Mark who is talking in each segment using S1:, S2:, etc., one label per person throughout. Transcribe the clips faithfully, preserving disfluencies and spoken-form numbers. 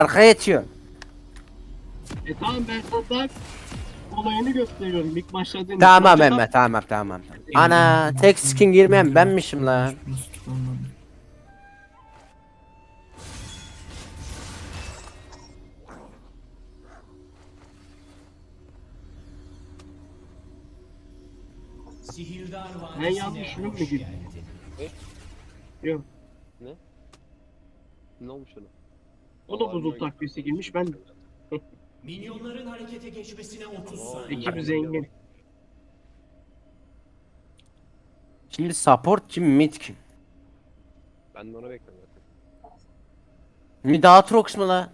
S1: Arkaya yetiyor.
S2: E tamam ben sana olayını gösteriyorum ilk başladığın.
S1: Tamam
S2: Maçta-
S1: Mehmet tamam tamam. Ana tek skin girmeyen benmişim lan.
S2: Ben yanlış ürün mü gibi? Yok.
S3: Ne olmuş ona?
S2: O da buzul takviyesi girmiş ben de.
S4: Minyonların harekete geçmesine otuz saniye.
S2: Ekip zengin.
S1: Şimdi support kim mid kim?
S3: Ben de onu bekliyorum zaten.
S1: Mid Aatrox mu la?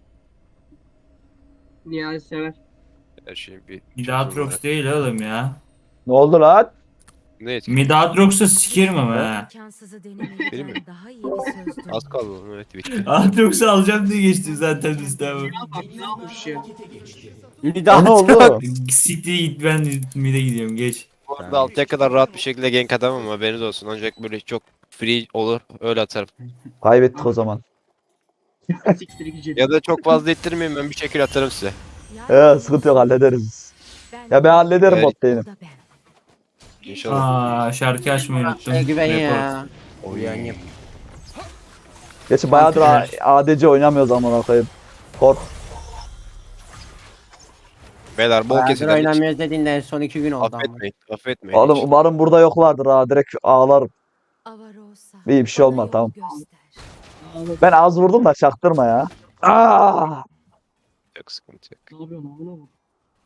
S2: Nihal sever.
S3: Her şeyin bir...
S4: Midatrox değil oğlum ya.
S5: Ne oldu lan?
S3: Ne etki?
S4: Midatrox'u sikerim ama ha.
S6: İmkansızı
S3: Benim
S6: denemeliden
S3: mi?
S6: daha iyi bir sözdür.
S3: Az kaldı oğlum, evet bitti.
S4: Aatrox'u alacağım diye geçtim zaten listemı.
S2: Ya bak ne yapmış ya.
S1: Mid
S5: O ne oldu?
S1: Aatrox.
S4: Siktir git, ben mid'e gidiyorum, geç.
S3: Bu arada altıya kadar rahat bir şekilde gank atamam, haberiniz olsun. Ancak böyle çok free olur, öyle atarım.
S5: Kaybettik o zaman.
S2: Siktir gidecek.
S3: Ya da çok fazla ittirmeyin, ben bir şekil atarım size.
S5: Ee, sıkıntı yok, hallederiz. Ya ben hallederim
S3: Evet.
S5: bot değilim.
S3: İnşallah.
S4: Aa, şarkı açmayı unuttum.
S1: Şey güven
S4: Report.
S1: ya. Uyanayım.
S5: Geçen bayağıdır A- A D C oynamıyoruz amına koyayım. Kork.
S3: Beyler bol
S1: Bayağıdır
S3: keseden hiç
S1: oynamıyoruz dediğinde en son iki gün oldu ama.
S3: affetmeyin, affetmeyin.
S5: Oğlum
S3: hiç.
S5: umarım burada yoklardır ha, direkt ağlarım. İyi, bir şey olmaz, tamam. Ben az vurdum da çaktırma ya. Aa!
S3: Yok, sıkıntı yok.
S2: Ne yapıyorsun amına bak.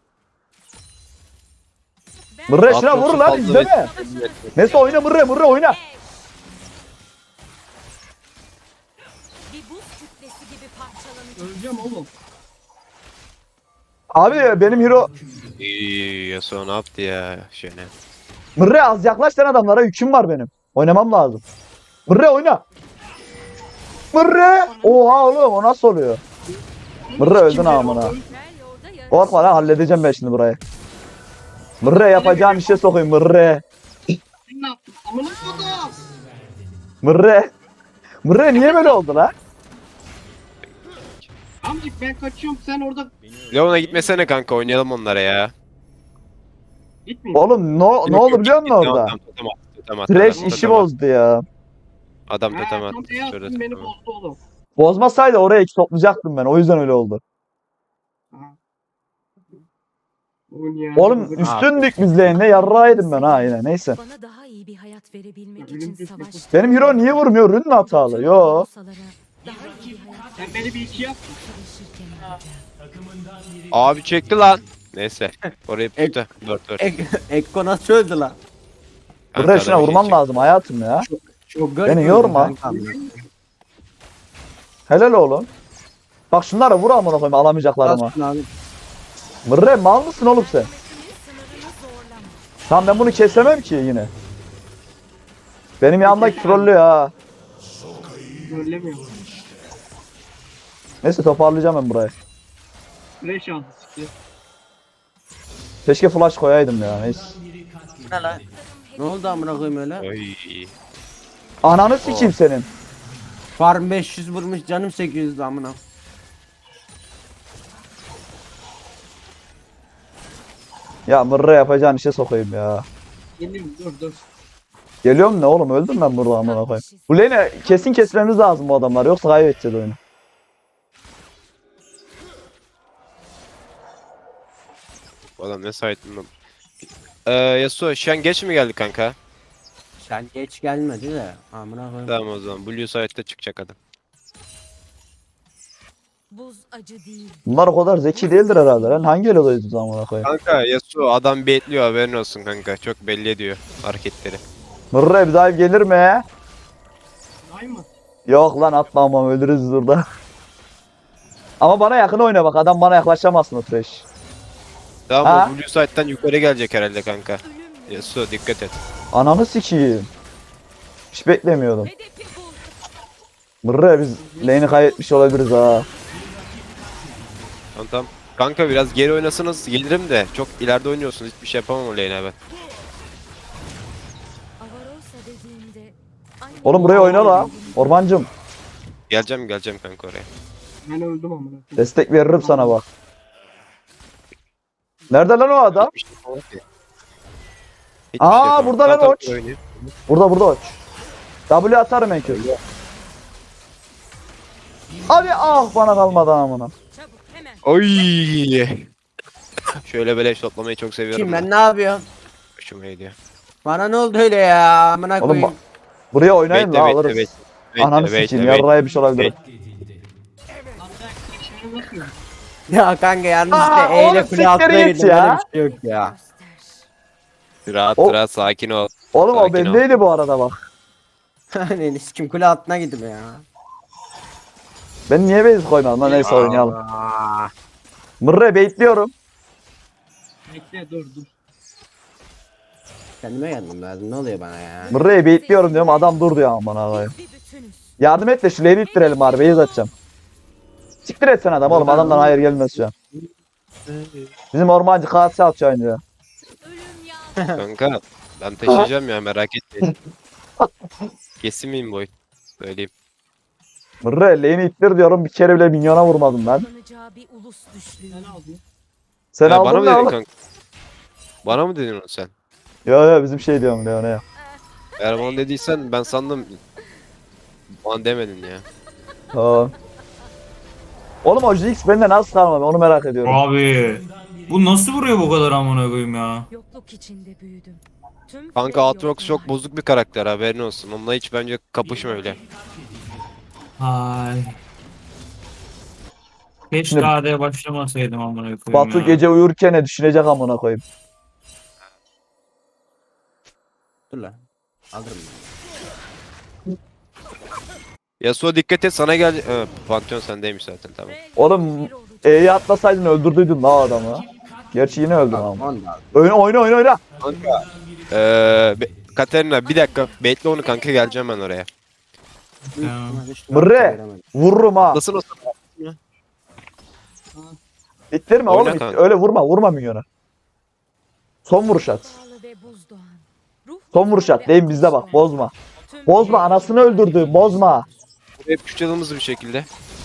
S5: Mırre şuna
S3: Aatrox'u
S5: vur lan,
S3: fazla
S5: izleme.
S3: bekletmeyin.
S5: Neyse oyna Mırre, Mırre oyna.
S6: Bir buz kütlesi gibi parçalanacak.
S2: Öleceğim oğlum.
S5: Abi benim hero.
S3: İyi, Yasuo ne yaptı ya şene.
S5: Mırre az yaklaş lan adamlara, yüküm var benim. Oynamam lazım. Mırre oyna. Mırre. Oha oğlum, o nasıl oluyor? Mırre öldün amına.
S6: Her yolda yarış.
S5: Korkma lan, halledeceğim ben şimdi burayı. Mırre yapacağın işe sokayım Mırre.
S2: Sen ne yaptın? Amına kodum.
S5: Mırre. Mırre niye böyle oldu lan?
S2: Amcık ben kaçıyorum sen orada
S3: Leon'a gitmesene kanka, oynayalım onlara ya.
S2: gitme.
S5: Oğlum no, ne oldu biliyor musun orada?
S3: Adam totem attı, totem attı,
S5: Trash
S3: adam
S5: işi
S3: totem attı.
S5: bozdu ya.
S3: Adam
S2: Ha,
S3: totem
S2: tam
S3: attı.
S2: beyaz
S3: Şöyle
S2: beni
S3: totem attı.
S2: bozdu oğlum.
S5: Bozmasaydı oraya iki toplayacaktım ben. O yüzden öyle oldu.
S2: Ha. Oğlum ya.
S5: Oğlum üstündük biz lane'de, yarrağıydım ben ha yine. Neyse.
S6: Bana daha iyi bir hayat verebilmek
S2: Ya,
S6: için
S2: ölüm
S6: savaş.
S5: Benim hero niye vurmuyor? Rün mü hatalı? Yo.
S6: Daha iyi bir hayat
S2: Sen beni bir iki yap.
S6: çalışırken yapacağım.
S3: Abi çekti lan. Neyse. Orayı tuttu. dört dört.
S1: Ek Ekko nasıl öldü lan?
S5: Mırre şuna vurman lazım hayatım ya.
S1: Çok garip
S5: Beni
S1: öldü
S5: yorma.
S1: kanka.
S5: Helal oğlum. Bak şunlara vur amına koyayım, alamayacaklar ama.
S1: Nasıl abi?
S5: Mırre mal mısın oğlum sen?
S6: Sınırını zorlama.
S5: Tamam ben bunu kesemem ki yine. Benim yanımdaki trollü ya.
S2: Söylemiyor.
S5: Neyse toparlayacağım ben burayı.
S2: Fresh aldı siktir.
S5: Keşke flash koyaydım ya, neyse.
S1: Ne lan? Ne oldu amına koyayım öyle?
S3: Oy.
S5: Ananı sikeyim senin.
S1: Farm beş yüz vurmuş canım sekiz yüz amına.
S5: Ya Mırre yapacağın işe sokayım ya.
S2: Geliyorum dur dur.
S5: Geliyorum ne oğlum, öldüm ben burada amına koyayım. Bu lane'e kesin kesmemiz lazım bu adamlar, yoksa kaybedeceğiz oyunu.
S3: Bu adam ne sahitin lan. Ee, Yasuo şu an geç mi geldi kanka?
S1: Sen geç gelmedi de amına koyayım.
S3: Tamam o zaman. Blue side'de çıkacak adam.
S6: Buz acı değil.
S5: Bunlar o kadar zeki değildir herhalde lan. Hangi elo'dayız amına koyayım?
S3: Kanka Yasuo adam baitliyor, haberin olsun kanka. Çok belli ediyor hareketleri.
S5: Mırre bir dive gelir mi?
S2: Ay mı?
S5: Yok lan, atma ama ölürüz burada. Ama bana yakın oyna bak, adam bana yaklaşamazsın o trash.
S3: Tamam
S5: Ha?
S3: o Blue side'den yukarı gelecek herhalde kanka. Yasuo dikkat et.
S5: Ananı sikeyim. Hiç beklemiyordum.
S6: Hedefi bul.
S5: Mırre biz lane'i kaybetmiş olabiliriz ha.
S3: Tamam tamam. Kanka biraz geri oynasanız gelirim de çok ileride oynuyorsunuz, hiçbir şey yapamam o lane'e ben.
S6: Avarosa dediğinde. anne-
S5: Oğlum buraya oyna la. Ormancım.
S3: Geleceğim geleceğim kanka oraya.
S2: Ben öldüm amına.
S5: Destek veririm sana bak. Nerede lan o adam?
S3: Hiçbir şey yapamam ki. Hiçbir
S5: Aa,
S3: şey yapamam.
S5: burada lan
S3: Zaten
S5: Oç.
S3: oynuyor.
S5: Burada burada aç. W atarım en kötü. Abi ah bana kalmadı amına.
S6: Çabuk hemen.
S3: Oy. Şöyle beleş toplamayı çok seviyorum.
S1: Kim ben ne yapıyorum?
S3: Hoşuma gidiyor.
S1: Bana ne oldu öyle ya? Amına
S5: Oğlum
S1: koyayım.
S5: bak. Buraya oynayın
S3: Bekle
S5: la
S3: bekle
S5: alırız.
S3: bekle. Bekle,
S5: Ananı
S3: bekle,
S5: sikeyim
S3: bekle.
S5: yarraya bir şey olabilir.
S1: Ya kanka yalnız
S5: Aa,
S1: işte E ile
S5: oğlum
S1: kule altına
S5: siktir git
S1: girdim.
S5: ya.
S1: Böyle bir şey yok ya.
S6: Göster.
S3: Rahat
S5: O-
S3: rahat sakin ol.
S5: Oğlum o
S3: Sakin ol.
S5: bendeydi bu arada bak.
S1: Hani kim kule altına gittim ya.
S5: Ben niye base koymadım lan neyse oynayalım.
S1: Aa,
S5: Mırre baitliyorum.
S2: Bekle dur dur.
S1: kendime geldim lazım. Ne oluyor bana ya?
S5: Mırre'yi baitliyorum diyorum adam dur diyor aman ağlayım.
S6: Bir bütünüz.
S5: Yardım et de şu lane'i ittirelim bari base atacağım. Siktir et sen adam oğlum adamdan hayır gelmez şu an. Bizim ormancı kase atıyor önce.
S6: Ölüm ya.
S3: Kanka ben taşıyacağım ya merak etmeyin. Kesin miyim boy? Söyleyeyim.
S5: Mırre lane'i ittir diyorum bir kere bile minyona vurmadım ben.
S6: Kullanacağı bir ulus düşlüğü.
S2: Sen aldın.
S5: Sen
S3: Ya bana
S5: aldın
S3: mı
S5: ne
S3: dedin
S5: oğlum?
S3: kanka? Bana mı dedin onu sen?
S5: Yo yo bizim şey diyorum Leon'a.
S3: Eğer bana dediysen ben sandım. Bana demedin ya.
S5: Tamam. Oğlum o Jinx bende nasıl kalmadı onu merak ediyorum.
S4: Abi. Bu nasıl vuruyor bu kadar amına koyayım ya?
S6: Yokluk içinde büyüdüm. Tüm
S3: Kanka
S6: Frey
S3: Aatrox çok
S6: yolcular.
S3: bozuk bir karakter haberin olsun. Onunla hiç bence kapışma öyle.
S4: Ay. Keşke
S5: Şimdi-
S4: A D'ye başlamasaydım amına koyayım
S5: Batu
S4: ya.
S5: gece uyurken ne düşünecek amına koyayım.
S1: Dur lan. Alırım ben.
S3: Yasuo dikkat et sana gel. Ee, Pantheon sendeymiş zaten tamam.
S6: Frey
S5: Oğlum
S6: bir olacak.
S5: E'yi atlasaydın öldürdüydün la adamı. Gerçi yine öldün ama.
S1: Onu da al.
S5: Oyna oyna oyna oyna.
S3: Kanka. Ee, be- Katerina bir dakika bekle onu kanka geleceğim ben oraya.
S4: Tamam.
S5: Mırre. Vururum ha.
S3: Nasıl o
S5: İttirme
S3: Oyna
S5: oğlum. it-
S3: kanka.
S5: Öyle vurma vurma minyona. Son vuruş at.
S6: Pahalı ve buzdoğan. Ruh
S5: Son vuruş at.
S6: ve
S5: Deyim bizde bak
S6: ateş
S5: bozma.
S6: Tüm
S5: Bozma
S6: Frey
S5: anasını
S6: yolcular
S5: öldürdü
S6: ve
S5: bozma.
S3: hep küçülümüz bir şekilde.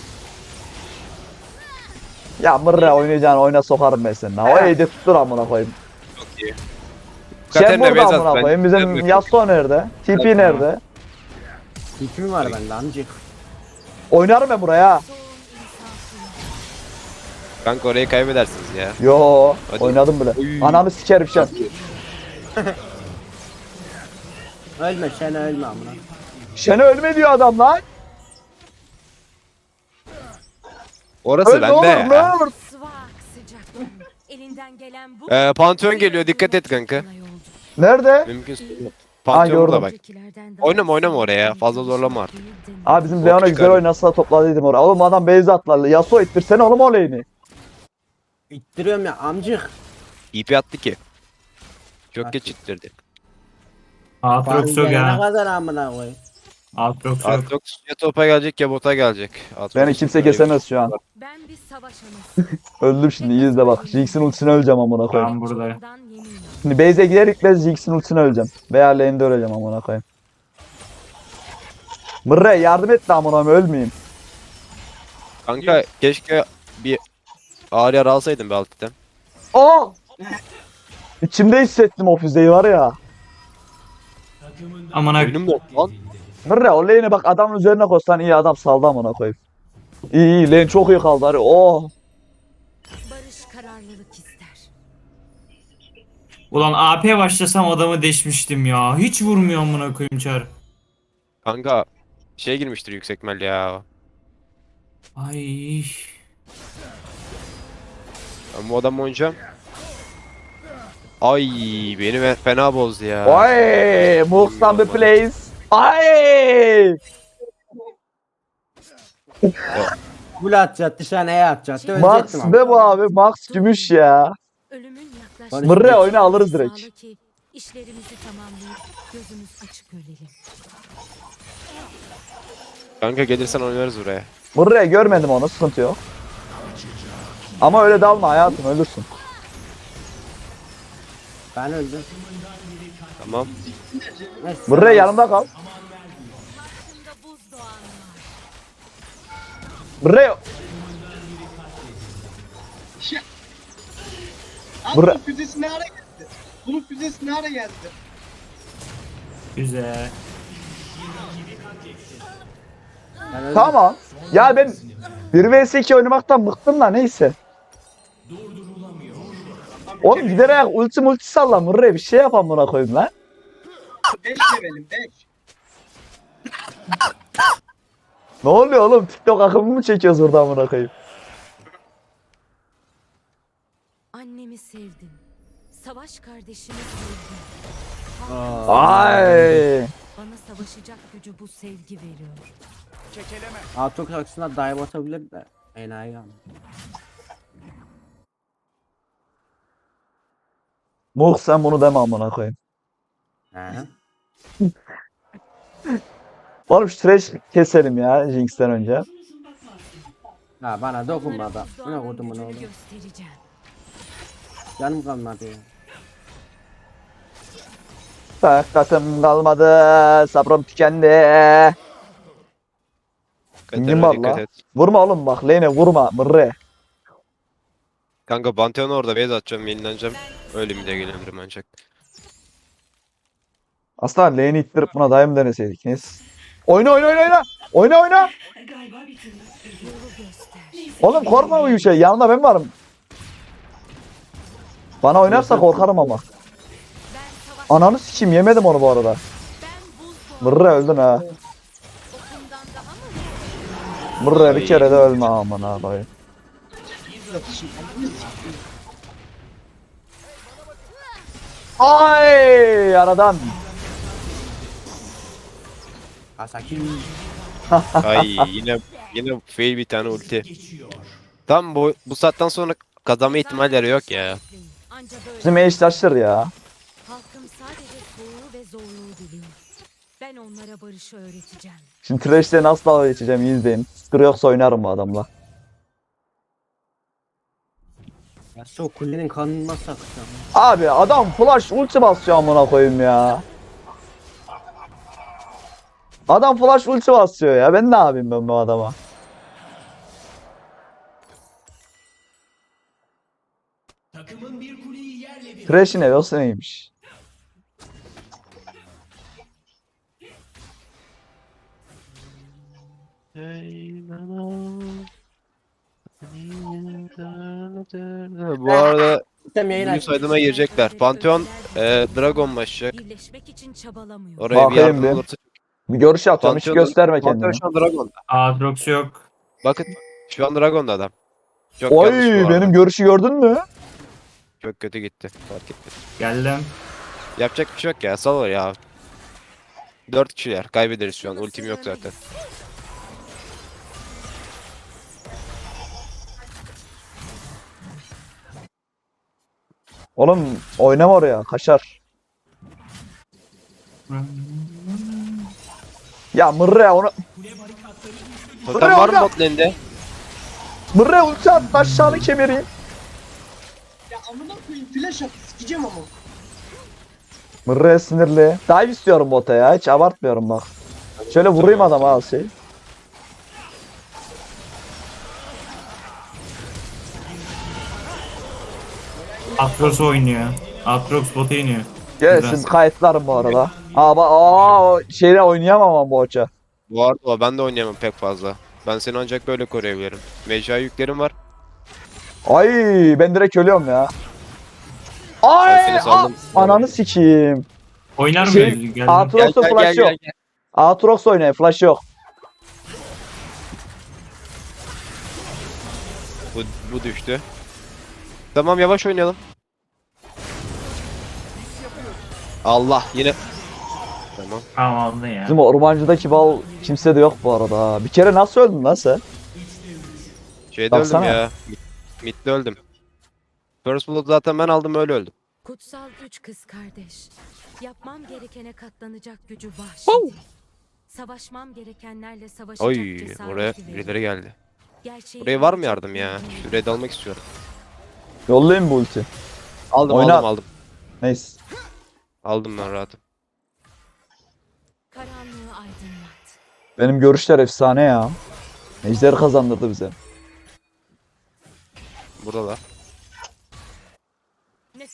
S5: Ya Mırre oynayacağını oyna sokarım ben seni. O E'yi tuttur amına koyayım.
S3: Çok iyi.
S5: Sen
S3: Katerina
S5: burada
S3: Bezat,
S5: amına
S3: ben-
S5: koyayım.
S3: ben
S5: Bizim
S3: de-
S5: Yasuo nerede? T P
S3: Tamam.
S5: nerede?
S1: İpim var bende amcık.
S5: Oynarım ben buraya.
S6: Son insafı.
S3: Kanka orayı kaybedersiniz ya.
S5: Yo
S3: Hadi.
S5: oynadım bile.
S3: Oy.
S5: Ananı sikerim şu an.
S1: Ölme sen ölme amına.
S5: Şene ölme diyor adam lan.
S3: Orası
S5: Öl ne olur
S3: bende
S5: ne
S3: ya.
S5: olur.
S6: Sıvak sıcak. Elinden gelen bu.
S3: Ee, Pantheon geliyor dikkat et kanka.
S6: Sana yolcu.
S5: Nerede?
S3: Mümkünse.
S5: Ha,
S3: Pantheon burada
S5: gördüm.
S3: bak.
S6: Öncekilerden daha
S3: Oynama, oynama
S6: sevdiğim
S3: oraya ya. Fazla
S6: bir
S3: zorlama artık.
S6: değildim.
S5: Abi bizim
S3: Çok
S5: Leon'a güzel
S3: çıkardım.
S5: oynasa topladıydım oraya. Oğlum adam base atlarla. Yasuo ittirsene oğlum o lane'i.
S1: İttiriyorum ya amcık.
S3: İ P attı ki. Çok geç ittirdi.
S4: Aatrox yok
S1: Ne
S4: ya.
S1: kadar amına koy.
S4: Aatrox yok.
S3: Aatrox ya topa gelecek ya bota gelecek. Aatrox
S5: Beni kimse
S3: böyle bir-
S5: kesemez şu an.
S6: Ben bir savaş anası.
S5: Öldüm şimdi iyi izle bak. Jinx'in ultisine öleceğim amına koyayım.
S4: Ben buradayım.
S6: Çoğundan yeminim.
S5: Şimdi base'e gider gitmez Jinx'in ultisine öleceğim. Veya lane'de öleceğim amına koyayım. Mırre yardım et de amına koyayım ölmeyeyim.
S3: Kanka keşke bir ağır yara alsaydın be alttan.
S5: Aa! İçimde hissettim o füzeyi var ya.
S4: Amına
S3: Oyunum yok lan.
S5: Mırre o lane'e bak adamın üzerine koşsan iyi adam saldı amına koyayım. İyi iyi lane çok iyi kaldı hadi. Oh!
S6: Barış kararlılık ister.
S4: Ulan A P başlasam adamı deşmiştim ya. Hiç vurmuyor amına koyayım çar.
S3: Kanka şey girmiştir yüksek mel ya.
S4: Ay.
S3: Ben bu adamı oynayacağım. Ay beni fe- fena bozdu ya.
S5: Ay! Moves on the place. Ay!
S1: Kule atacak dışarı neye atacak?
S5: Max
S1: Ölecektim ama.
S5: be bu abi. Max gümüş ya.
S6: Ölümün yaklaştığı
S5: Mırre oyna alırız direkt.
S6: sağla ki işlerimizi tamamlayıp gözümüz açık ölelim.
S3: Kanka gelirsen oynarız buraya.
S5: Mırre görmedim onu sıkıntı yok. Ama öyle dalma hayatım ölürsün.
S1: Ben öldüm.
S3: Tamam.
S1: Neyse,
S5: Mırre yanımda kal.
S6: Karşımda buzdoğan var.
S5: Mırre
S2: Şey... Abi
S5: Bura-
S2: bunun füzesi ne ara geldi? Bunun füzesi ne ara geldi?
S4: Güzel.
S1: Ben öldüm.
S5: Tamam. Ya ben bir vs iki oynamaktan bıktım da neyse. Oğlum giderek ulti multi salla Murray bir şey yapam buna koyayım lan.
S2: beş levelim beş.
S5: Ne oluyor oğlum? TikTok akımı mı çekiyoruz burada amına koyayım?
S6: Annemi sevdim. Savaş kardeşimi sevdim.
S1: Aa.
S5: Ay.
S6: Bana savaşacak gücü bu sevgi veriyor.
S1: Aatrox aksına dive atabilir de. Enayi ama.
S5: Muh sen bunu deme amına koyayım.
S1: He.
S5: Oğlum şu trash keselim ya Jinx'ten önce.
S1: Ha bana dokunma da.
S6: Onlara
S1: Ne
S6: buzdoğanın
S1: koydum bunu
S6: gücünü
S1: oğlum.
S6: göstereceğim.
S1: Canım kalmadı ya.
S5: Takatim kalmadı. Sabrım tükendi. Pingim
S3: Katerina
S5: var
S3: dikkat
S5: la.
S3: et.
S5: Vurma oğlum bak Lane'e vurma Mırre.
S3: Kanka Pantheon'u orada base atacağım, yenileneceğim. Öyle mi de gelebilirim ancak.
S5: Aslında lane'i ittirip buna daim deneseydik. Neyse. Oyna oyna oyna oyna. Oyna oyna.
S6: Yolu göster.
S5: Oğlum korkma bu şey. Yanında ben varım. Bana oynarsa korkarım ama.
S6: Ben savaş...
S5: Ananı sikeyim yemedim onu bu arada.
S6: Ben buzdoğanın
S5: Mırre öldün ha.
S6: okundan daha mı?
S5: Mırre bir kere de ölme aman abi. Ay aradan.
S1: Asaki.
S3: Ay yine yine fail bir tane ulti. Tam bu bu saatten sonra kazanma ihtimalleri yok ya.
S6: Anca böyle.
S5: Bizim eş taşır ya.
S6: Halkım sadece soğuğu ve zorluğu biliyor. Ben onlara barışı öğreteceğim.
S5: Şimdi Thresh'le nasıl dalga geçeceğim iyi izleyin. Sıkırı yoksa oynarım bu adamla.
S1: Ya şu kulenin kanını nasıl akıtacağım?
S5: Abi adam flash ulti basıyor amına koyayım ya. Adam flash ulti basıyor ya. Ben ne yapayım ben bu adama? Thresh'in evi olsa neymiş?
S3: Bu arada
S1: Sistem yayın
S3: Blue
S1: aç.
S3: side'ıma girecekler. Pantheon e, Dragon başlayacak.
S6: Birleşmek için çabalamıyor.
S3: Oraya bir
S5: Bakayım
S3: yardım
S5: bir.
S3: olursa.
S5: Bir görüş atıyorum hiç
S3: Pantheon-
S5: gösterme
S3: Pantheon
S5: kendini.
S3: şu an Dragon'da.
S4: Aatrox yok.
S3: Bakın şu an Dragon'da adam. Çok
S5: Oy
S3: yanlış bu arada.
S5: benim görüşü gördün mü?
S3: Çok kötü gitti. Fark ettim.
S4: Geldim.
S3: Yapacak bir şey yok ya. Sal ya. Dört kişiler. Kaybederiz şu an. Ultim yok zaten.
S5: Oğlum oynama oraya kaşar. Ya Mırre onu
S3: Totem var mı bot lane'de?
S5: Mırre ulti at aşağını kemireyim.
S2: Ya amına koyayım flash at sikeceğim ama.
S5: Mırre sinirli. Dive istiyorum bota ya hiç abartmıyorum bak. Şöyle vurayım adama al şey.
S4: Aatrox oynuyor. Aatrox bota iniyor.
S5: Gelsin
S4: Biraz.
S5: kayıtlarım bu arada. Aa bak aa şeyle oynayamam ama bu hoca.
S3: Bu arada o, ben de oynayamam pek fazla. Ben seni ancak böyle koruyabilirim. Mecra yüklerim var.
S5: Ay ben direkt ölüyorum ya. Ay
S3: Alfini
S5: a-
S3: saldım.
S5: ananı sikeyim.
S4: Oynar
S5: Şey,
S4: mıyız? Geldim.
S3: Gel
S5: Aatrox'un
S3: gel gel
S5: flash yok.
S3: gel. gel.
S5: Aatrox oynayın flash yok.
S3: Bu, bu düştü. Tamam yavaş oynayalım. Allah yine. Tamam.
S4: Tamam aldın ya.
S5: Bizim ormancıdaki bal kimse de yok bu arada. ha. Bir kere nasıl öldün lan sen?
S3: Şeyde
S5: Baksana.
S3: öldüm ya. Mid- Mid'de öldüm. First Blood zaten ben aldım öyle öldüm.
S6: Kutsal güç kız kardeş. Yapmam gerekene katlanacak gücü bahşedi. Savaşmam gerekenlerle savaşacak
S3: Oy
S6: cesareti
S3: oraya
S6: verir.
S3: birileri geldi.
S6: Gerçeği
S3: Buraya var mı
S6: bilecek
S3: yardım ya?
S6: bilgiyi.
S3: Şu red almak istiyorum.
S5: Yollayayım bu ulti.
S3: Aldım
S5: Oyna.
S3: aldım aldım.
S5: Neyse.
S3: Aldım ben rahatım.
S6: Karanlığı aydınlat.
S5: Benim görüşler efsane ya. Ejder kazandırdı bize.
S3: Burada da.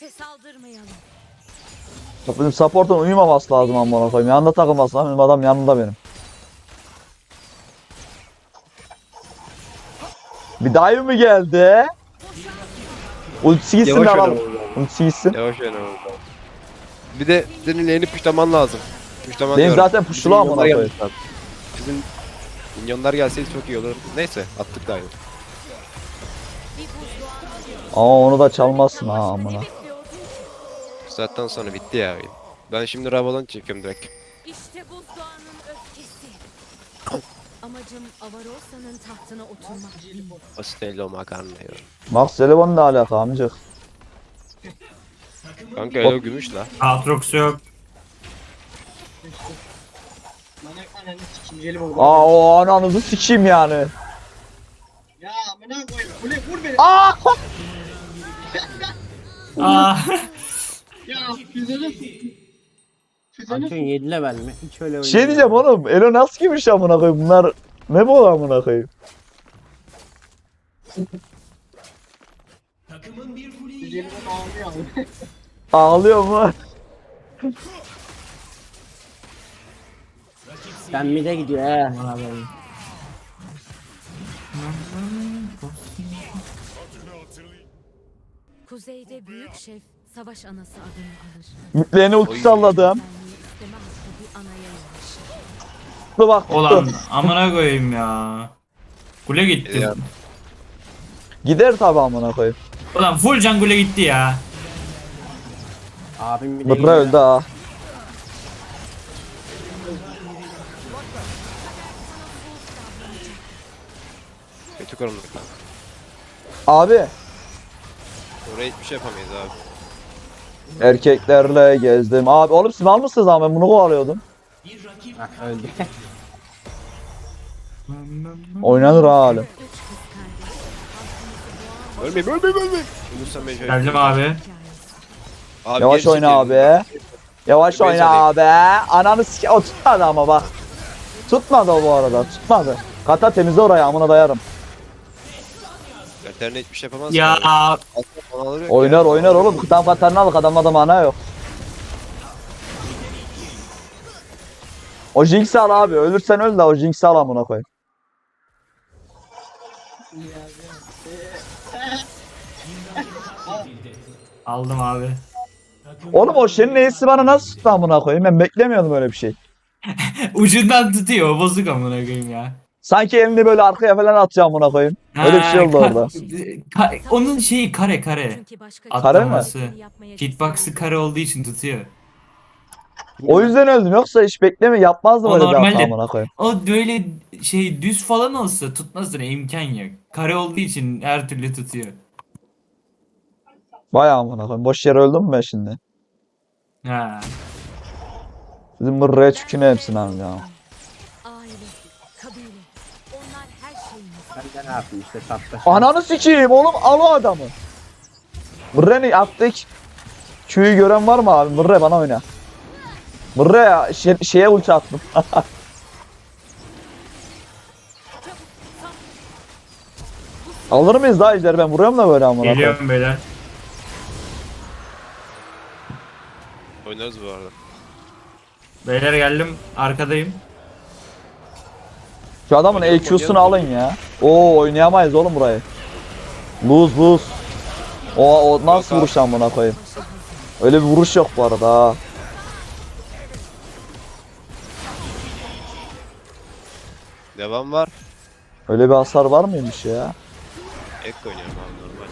S6: Ateşe saldırmayalım.
S5: Bizim support'un uyumaması lazım amına koyayım. Yanında takılması lazım. Benim adam yanında benim. Bir dive mi geldi? Ultisi gitsin
S3: Yavaş
S5: de
S3: oyna
S5: alalım.
S3: oğlum.
S5: Ultisi gitsin.
S3: Yavaş oyna oğlum. Bir de senin lane'i puşlaman lazım. Puşlaman
S5: Benim
S3: diyorum.
S5: zaten
S3: Bizim
S5: puşlu amına
S3: minyonlar
S5: koyayım.
S3: gelmiş lan. Bizim minyonlar gelseydi çok iyi olur. Neyse attık da.
S6: Bir buzluğa
S5: Ama onu da çalmazsın ha amına.
S6: ne bekliyordun?
S3: Bu saatten sonra bitti ya oyun. Ben şimdi Ravalon çekiyorum direkt.
S6: İşte buzluğanın öfkesi. Amacım Avarosa'nın tahtına oturmak değil.
S3: Pastello makarna ya.
S5: Max Celebon ne alaka amcık?
S3: Kanka öyle gümüş la.
S4: Aatrox yok.
S2: Bana ananı sikeyim jelim oldu.
S5: Aa o ananızı sikeyim yani.
S2: Ya amına koyayım. Bu ne vur beni.
S5: Aa!
S4: Aa.
S2: Ya füzene Füzene
S1: Antun yedi level mi? Hiç öyle
S5: Bir şey diyeceğim
S1: oynamıyor.
S5: oğlum. Elo nasıl giymiş amına koyayım? Bunlar ne bu amına koyayım?
S2: jelimden ağlıyor abi.
S5: Ağlıyor mu?
S1: Sen mide gidiyor he. Abi.
S6: Kuzeyde büyük şef savaş anası adını alır.
S5: Mitlerini ulti salladım.
S6: Benliği isteme hakkı bir anaya yaraşır.
S5: Dur bak.
S4: Ulan amına koyayım ya. Kule gitti.
S3: Ya.
S5: Gider tabi amına koyayım.
S4: Ulan full can kule gitti ya.
S1: Abim mide
S5: Mıkra
S1: gidiyor.
S5: öldü ha.
S3: Kötü korunduk lan.
S5: Abi
S3: Oraya hiçbir şey yapamayız abi.
S5: erkeklerle gezdim. Abi oğlum siz mal mısınız abi? Ben bunu kovalıyordum.
S1: Hah öldü.
S5: Oynanır ha halim.
S6: Üç kız kardeş.
S3: Ölmeyeyim ölmeyeyim ölmeyeyim. Ölürsem ben şey
S4: Geldim abi.
S6: Hikayesi.
S3: Abi
S5: Yavaş
S3: geri
S5: oyna
S3: çekil.
S5: abi. Yavaş
S3: Ben
S5: oyna abi. Ananı sike... O tutmadı ama bak. Tutmadı o bu arada. Tutmadı. Kata temizle orayı amına dayarım.
S3: Veteriner hiçbir şey yapamaz.
S4: Ya
S3: ki abi. Aslında falan yok
S5: Oynar
S3: ya.
S5: oynar oğlum. Kutan katarını al. Adamda da mana yok. O Jinx'i al abi. Ölürsen öl de o Jinx'i al amına koyayım.
S4: aldım abi.
S5: Oğlum o Shen'in neyisi bana nasıl tuttu amına koyayım? Ben beklemiyordum öyle bir şey.
S4: Ucundan tutuyor bozuk amına koyayım ya.
S5: Sanki elini böyle arkaya falan atacağım amına koyayım. Öyle bir şey oldu
S4: Ha,
S5: orada.
S4: ka- ka- onun şeyi kare kare.
S6: Çünkü başka
S4: Kare mi?
S6: kimse yapmaya
S4: Hitbox'ı kare olduğu için tutuyor.
S5: O yüzden öldüm. Yoksa hiç bekleme yapmazdım
S4: O
S5: öyle bir hata
S4: normalde-
S5: amına koyayım.
S4: O böyle şey düz falan olsa tutmasına imkan yok. Kare olduğu için her türlü tutuyor.
S5: Vay amına koyayım. Boş yere öldüm mü ben şimdi?
S4: Ha.
S5: Bizim mırraya çüküne hepsini abi ya.
S6: Aile, kabile. Onlar her şeyimiz.
S1: Ben de ne yapayım işte tatlı.
S5: Ananı sikeyim oğlum al o adamı. Mırre'ni attık. Q'yu gören var mı abi? Mırre bana oyna. Mırre ya şey, şeye ulti attım. Alır mıyız daha ejder ben vuruyorum da böyle amına koyayım.
S4: Geliyorum beyler.
S3: Oynarız bu arada.
S4: Beyler geldim arkadayım.
S5: Şu adamın E Q'sunu alın ya. Oo oynayamayız oğlum burayı. Lose lose. O, o nasıl vuruş amına koyayım. Öyle bir vuruş yok bu arada ha.
S3: Devam var.
S5: Öyle bir hasar var mıymış ya?
S3: Ek oynuyorum abi normal.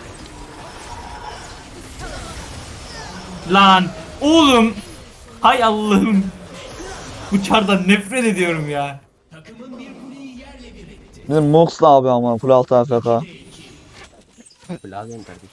S4: Lan oğlum. Hay Allah'ım. Bu çardan nefret ediyorum ya.
S5: Bizim Mox ne abi ama full altı A F K.
S1: Lazım kardeşim.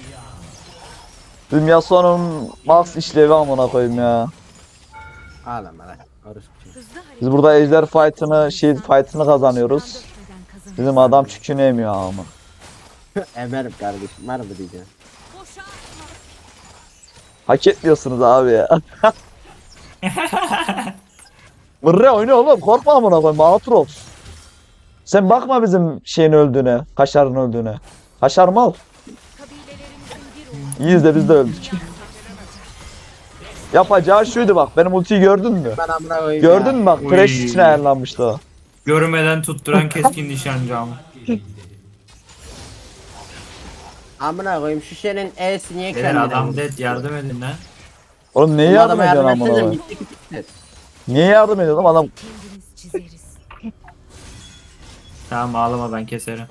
S5: Bizim Yasuo'nun max işlevi amına koyayım ya.
S1: Ağlama lan. Orası bir şey.
S6: Hızlı hareket.
S5: Biz burada ejder fight'ını, shield fight'ını kazanıyoruz.
S6: Dökmeden kazanırız.
S5: Bizim adam çükünü emiyor ama.
S1: Emerim kardeşim. Var mı diyeceğim.
S6: Boşa atma.
S5: Hak etmiyorsunuz abi ya. Mırre oyna oğlum korkma amına koyayım Aatrox. Sen bakma bizim şeyin öldüğüne, Kaşar'ın öldüğüne. Kaşar mal.
S6: Kabilelerimizin bir
S5: İyiyiz de biz de öldük. Yapacağı şuydu bak. Benim ultiyi gördün mü?
S1: Ben amına koyayım
S5: Gördün
S1: ya.
S5: mü bak?
S4: Oy.
S5: Thresh için ayarlanmıştı o.
S4: Görmeden tutturan keskin nişancı ama.
S1: Amına koyayım şu şeyin E'si niye
S4: Beyler
S1: kendine
S4: adam
S1: vurdu?
S4: dead yardım edin lan.
S5: Oğlum niye
S1: Bu
S5: yardım
S1: adama
S5: ediyorsun amına
S1: etsene,
S5: koyayım?
S1: bitti ki bitti.
S5: Niye yardım ediyorsun adam?
S6: Kendimiz çizeriz.
S4: Tamam ağlama ben keserim.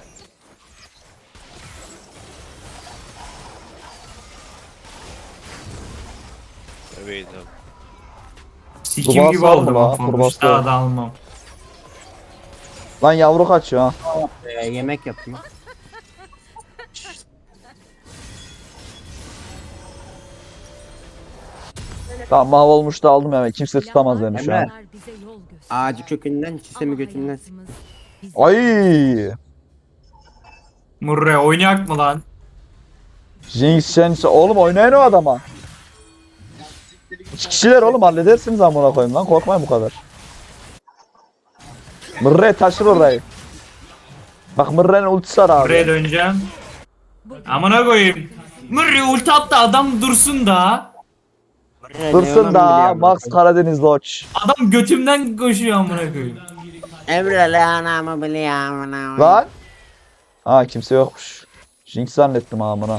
S3: Evet abi.
S4: Sikim
S5: Kurbağa
S4: gibi
S5: sar mı
S4: oldum.
S5: la?
S4: Ama
S5: Kurbağa sar.
S4: daha da almam.
S5: Lan yavru kaçıyor ha.
S1: Ee, yemek yapıyor.
S5: Tamam mahvolmuş da aldım ya. Kimse tutamaz beni şu an.
S1: Emre. Ağacı kökünden, çisemi götünden.
S5: Ay!
S4: Murre oynayak mı lan?
S5: Jinx, Shense. Oğlum oynayın o adama. İki kişiler oğlum halledersiniz amına koyayım lan. Korkmayın bu kadar. Mırre taşır orayı. Bak Mırre'nin ultisi var abi.
S4: Murre'ye döneceğim. Amına koyayım. Murre ulti attı adam dursun da.
S5: Dursun da Max Karadeniz Lodge.
S4: Adam götümden koşuyor amına koyayım.
S1: Emre lanamı biliyor amına.
S5: Lan. Ha kimse yokmuş. Jinx zannettim amına.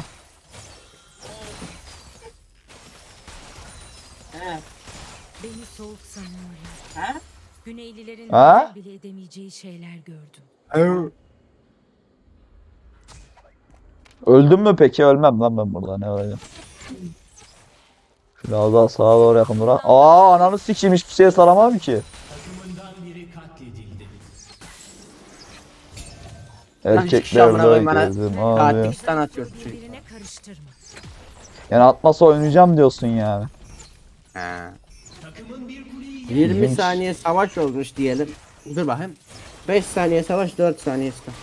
S6: Beni soğuk sanıyorlar. Güneylilerin
S5: Ha?
S6: hayal bile edemeyeceği şeyler gördüm.
S5: Öldüm mü peki? Ölmem lan ben burada. Ne olacak? Biraz daha sağa doğru yakın durak. Aa ananı sikeyim hiçbir şeye saramam ki. Erkekler de gezdim abi.
S1: Katilstan atıyor çocuk.
S6: Birbirine karıştırma.
S5: Yani atmasa oynayacağım diyorsun yani.
S1: Ha. yirmi
S5: İlginç.
S1: saniye savaş olmuş diyelim. Dur bakayım. beş saniye savaş, dört saniye savaş.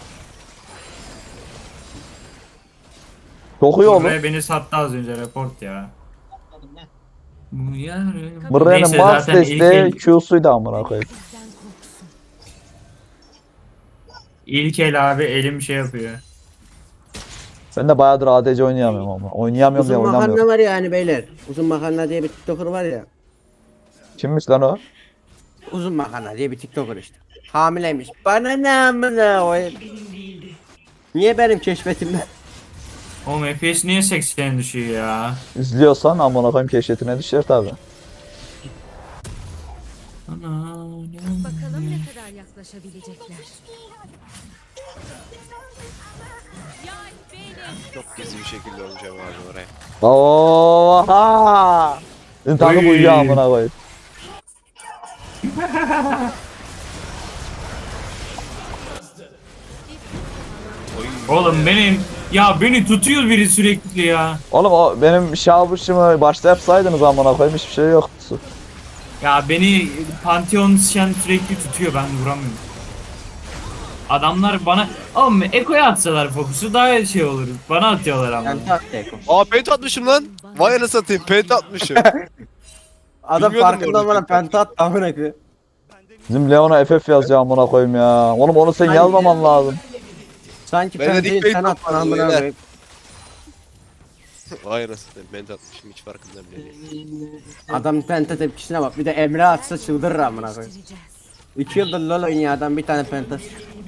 S5: Çok iyi oldu.
S4: Murre beni sattı az önce report ya. Bu yarın-
S5: Mırre'nin
S4: Neyse,
S5: Max
S4: zaten ilk
S5: desteği
S4: el-
S5: Q'suydu amına koyayım.
S6: Bizden korksun.
S4: İlk el abi elim şey yapıyor.
S5: Ben de bayağıdır A D C oynayamıyorum ama. Oynayamıyorum diye
S1: Uzun makarna
S5: oynamıyorum.
S1: var yani beyler. Uzun makarna diye bir tiktoker var ya.
S5: Kimmiş lan o?
S1: Uzun makarna diye bir tiktoker işte. Hamileymiş. Bana ne amına koyayım. Niye benim keşfetimden?
S4: Oğlum F P S niye seksene düşüyor ya?
S5: İzliyorsan amına koyayım keşfetine düşer tabi.
S4: Ana,
S6: Bakalım ne kadar yaklaşabilecekler.
S3: Çok gizli bir şekilde oynayacağım abi oraya.
S5: Oha! Senin takım
S4: Oy.
S5: uyuyor amına koyayım.
S4: Oğlum benim ya beni tutuyor biri sürekli ya.
S5: Oğlum o benim şabuşumu başta yapsaydınız amına koyayım hiçbir şey yoktu.
S4: Ya beni Pantheon Shen sürekli tutuyor ben vuramıyorum. Adamlar bana oğlum Eko'ya atsalar fokusu daha şey olur. Bana atıyorlar ama.
S1: Yani tak tek.
S3: Aa pent atmışım lan. Vay anasını satayım pent atmışım.
S1: Adam
S3: Bilmiyordum
S1: farkında
S3: orada
S1: bana
S3: penta.
S1: penta attı amına koyayım.
S5: Bizim Leon'a F F yazıyor amına koyayım ya. Oğlum onu sen yazmaman lazım.
S1: Sanki
S3: Ben de
S1: pentayı
S3: dikmeyi
S1: sen attın
S3: tutmadım
S1: amına
S3: beyler.
S1: koyayım.
S3: Vay anasını satayım pent atmışım hiç farkında bile değil.
S1: Adam penta tepkisine bak. Bir de Emre atsa çıldırır amına koyayım.
S6: Değiştireceğiz.
S1: İki yıldır LoL oynuyor adam bir tane pentası.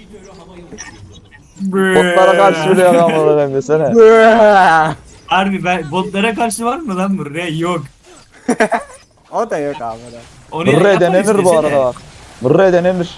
S5: Botlara karşı bile yalan amına koyayım desene.
S4: Harbi ben botlara karşı var mı lan buraya? Yok.
S1: O da yok abi.
S4: Onu
S5: Mırre
S4: yapar
S5: denenir bu
S4: istese
S5: arada
S4: de.
S5: bak. Mırre denenir.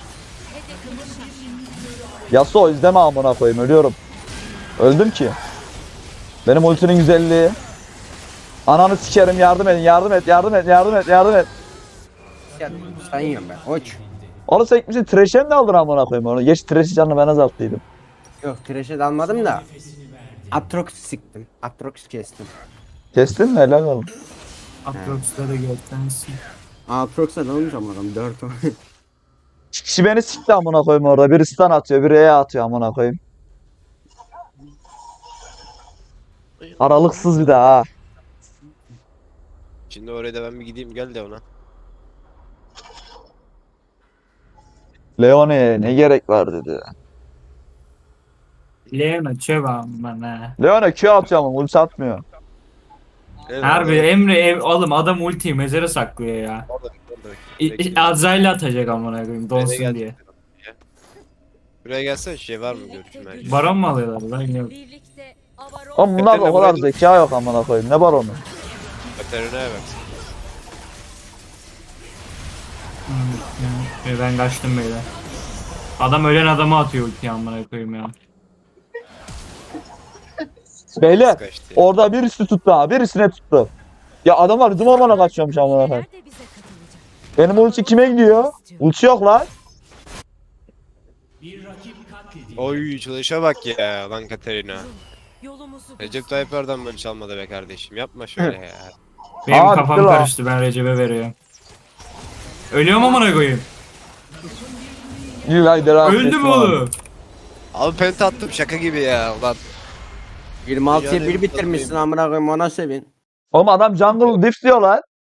S5: Yasuo izleme amına koyayım ölüyorum. Öldüm ki. Benim ultinin güzelliği. Ananı sikerim yardım edin yardım et yardım et yardım et yardım et.
S1: Sen yiyorum ben. Oç.
S5: Onu sekmişsin trash'e mi aldın amına koyayım onu? Geç trash'i canını ben azalttıydım.
S1: Yok trash'e dalmadım da. Atrox siktim. Atrox kestim.
S5: Kestin mi helal oğlum.
S4: Atrox'ta da göktensin.
S1: Atrox'a dalmış ama adam dört o.
S5: İki kişi beni sikti amına koyayım orada. Biri stun atıyor biri E atıyor amına koyayım. Aralıksız bir daha ha.
S3: Şimdi oraya da ben bir gideyim gel de ona.
S5: Leone'ye ne gerek var dedi.
S4: Leona çövam bana.
S5: Leona Q atıyor ama ulti atmıyor.
S4: Harbi Emre ev, oğlum adam ultiyi mezara saklıyor ya.
S3: Orada, orada.
S4: İ-
S3: Bekle.
S4: Azrail'i atacak amına koyayım donsun
S3: Nereye
S4: diye.
S3: geldin? Buraya gelsene şey var mı görüşüm her şey.
S4: Baron mu alıyorlar lan? Yok.
S6: Birlikte avaron
S5: Oğlum bunlar da o kadar
S3: Katerina
S5: zeka yok amına koyayım. Ne var onun?
S3: Katerina'ya bak.
S4: Hmm, ben kaçtım beyler. Adam ölen adamı atıyor ultiyi amına koyayım ya.
S5: Beyler
S3: Kaçtı.
S5: orada birisi tuttu ha. Birisine tuttu. Ya adamlar bizim ormana kaçıyormuş amına koyayım.
S6: Neler de bize katılacak.
S5: Benim ulti kime gidiyor? Ulti yok lan.
S3: Oy çalışa bak ya lan Katerina.
S6: Yolumuzu
S3: Recep Tayyip Erdoğan böyle çalmadı be kardeşim. Yapma şöyle ya.
S4: Benim
S5: Aa,
S4: kafam
S5: bitti lan.
S4: karıştı ben Recep'e veriyorum. Ölüyorum amına koyayım.
S5: İyi lan devam
S4: Öldü
S5: ettim
S4: mü
S5: abi.
S4: oğlum?
S3: Abi penta attım şaka gibi ya ulan.
S1: yirmi altıya
S3: Dünyanın
S1: bir
S3: en
S1: bitirmişsin
S3: tatlıyım.
S1: amına koyayım ona sevin.
S5: Oğlum adam jungle diff diyor lan.